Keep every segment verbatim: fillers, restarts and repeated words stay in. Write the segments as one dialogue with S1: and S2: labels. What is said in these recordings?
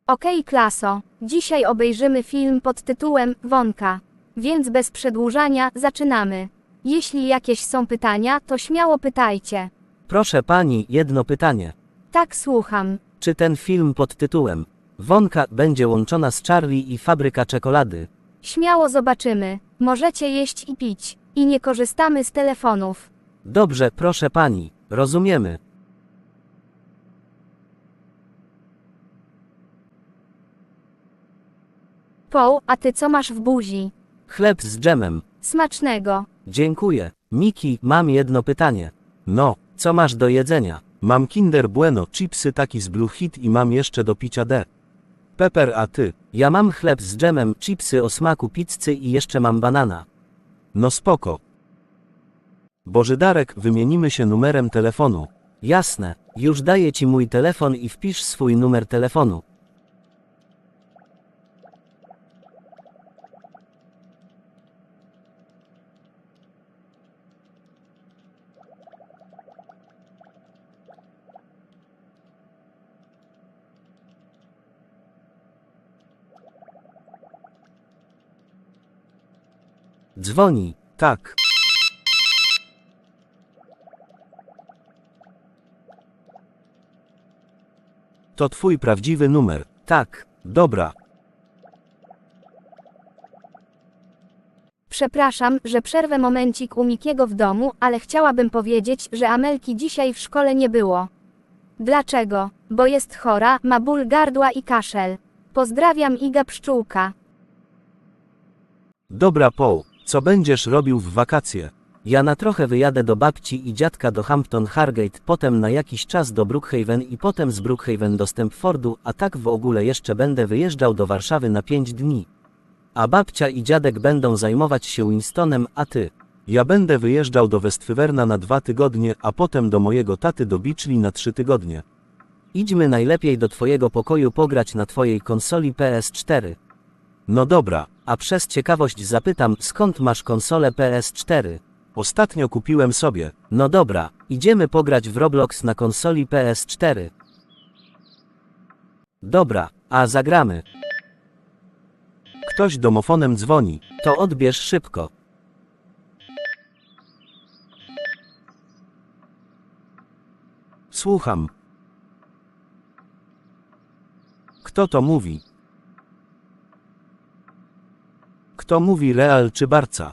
S1: Okej, klaso. Dzisiaj obejrzymy film pod tytułem Wonka. Więc bez przedłużania zaczynamy. Jeśli jakieś są pytania, to śmiało pytajcie.
S2: Proszę pani, jedno pytanie.
S1: Tak, słucham.
S2: Czy ten film pod tytułem Wonka będzie łączona z Charlie i fabryka czekolady?
S1: Śmiało zobaczymy. Możecie jeść i pić. I nie korzystamy z telefonów.
S2: Dobrze, proszę pani, rozumiemy.
S1: Paul, a ty co masz w buzi?
S2: Chleb z dżemem.
S1: Smacznego.
S2: Dziękuję. Miki, mam jedno pytanie.
S3: No,
S2: Co masz do jedzenia?
S3: mam Kinder Bueno, chipsy taki z Blue Hit i mam jeszcze do picia D. Pepper, a ty?
S2: Ja mam chleb z dżemem, chipsy o smaku pizzy i jeszcze mam banana.
S3: No spoko. Bożydarek, wymienimy się numerem telefonu.
S2: Jasne, już daję ci mój telefon i wpisz swój numer telefonu. Dzwoni.
S3: Tak. To twój prawdziwy numer.
S2: Tak.
S3: Dobra.
S1: Przepraszam, że przerwę momencik u Mikiego w domu, ale chciałabym powiedzieć, że Amelki dzisiaj w szkole nie było. Dlaczego? Bo jest chora, ma ból gardła i kaszel. Pozdrawiam, Iga Pszczółka.
S3: Dobra, Paul, co będziesz robił w wakacje?
S2: Ja na trochę wyjadę do babci i dziadka do Hampton Hargate, potem na jakiś czas do Brookhaven i potem z Brookhaven do Stempfordu, a tak w ogóle jeszcze będę wyjeżdżał do Warszawy na pięć dni. A babcia i dziadek będą zajmować się Winstonem, a ty?
S3: Ja będę wyjeżdżał do Westwyverna na dwa tygodnie, a potem do mojego taty do Beachley na trzy tygodnie.
S2: Idźmy najlepiej do twojego pokoju pograć na twojej konsoli P S cztery.
S3: No dobra.
S2: A przez ciekawość zapytam, skąd masz konsolę P S cztery?
S3: Ostatnio kupiłem sobie.
S2: No dobra, idziemy pograć w Roblox na konsoli P S cztery. Dobra, a zagramy.
S3: Ktoś domofonem dzwoni.
S2: To odbierz szybko.
S3: Słucham. Kto to mówi? Kto mówi, Real czy Barca?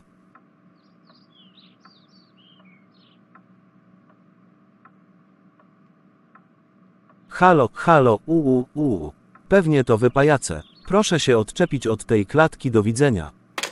S3: Halo, halo, uu, uu. Pewnie to wy pajace. Proszę się odczepić od tej klatki, do widzenia.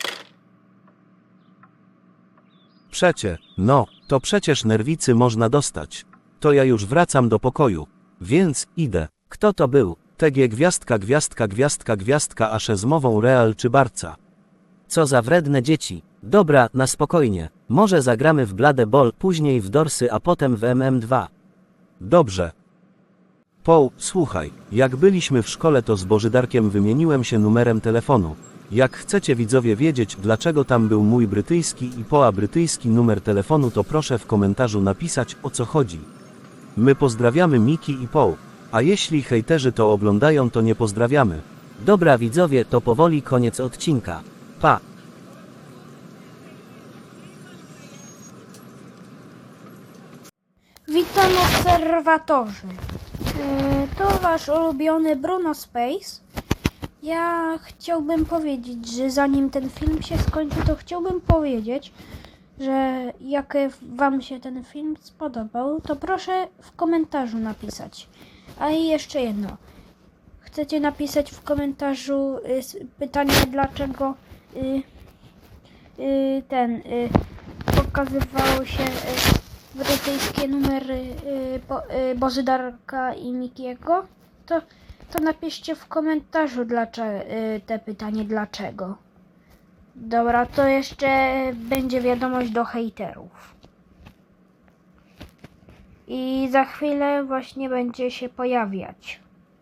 S3: Przecie, no, to przecież nerwicy można dostać. To ja już wracam do pokoju. Więc, idę.
S2: Kto to był?
S3: T G gwiazdka, gwiazdka, gwiazdka, gwiazdka, a z mową Real czy Barca.
S2: Co za wredne dzieci. Dobra, na spokojnie. Może zagramy w Blade Ball, później w Dorsy, a potem w M M dwa.
S3: Dobrze. Paul, słuchaj, jak byliśmy w szkole, to z Bożydarkiem wymieniłem się numerem telefonu. Jak chcecie widzowie wiedzieć, dlaczego tam był mój brytyjski i Paula brytyjski numer telefonu, to proszę w komentarzu napisać, o co chodzi. My pozdrawiamy Miki i Paul. A jeśli hejterzy to oglądają, to nie pozdrawiamy.
S2: Dobra widzowie, to powoli koniec odcinka. Pa!
S4: Witam obserwatorzy. Yy, To wasz ulubiony Bruno Space. Ja chciałbym powiedzieć, że zanim ten film się skończy, to chciałbym powiedzieć, że jak wam się ten film spodobał, to proszę w komentarzu napisać. A i jeszcze jedno. Chcecie napisać w komentarzu y, pytanie, dlaczego y, y, ten y, pokazywało się y, brytyjskie numery y, bo, y, Bożydarka i Mikiego, to, to napiszcie w komentarzu dlaczego, y, te pytanie dlaczego. Dobra, to jeszcze będzie wiadomość do hejterów. I za chwilę właśnie będzie się pojawiać.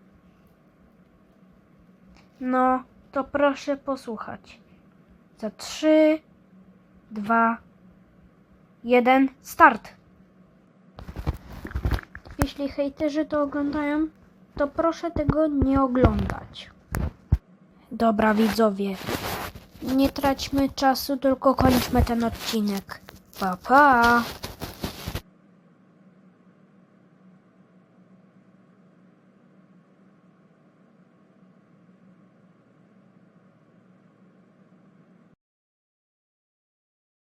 S4: No, to proszę posłuchać. Za trzy, dwa, jeden, start! Jeśli hejterzy to oglądają, to proszę tego nie oglądać. Dobra widzowie, nie traćmy czasu, tylko kończmy ten odcinek. Pa, pa!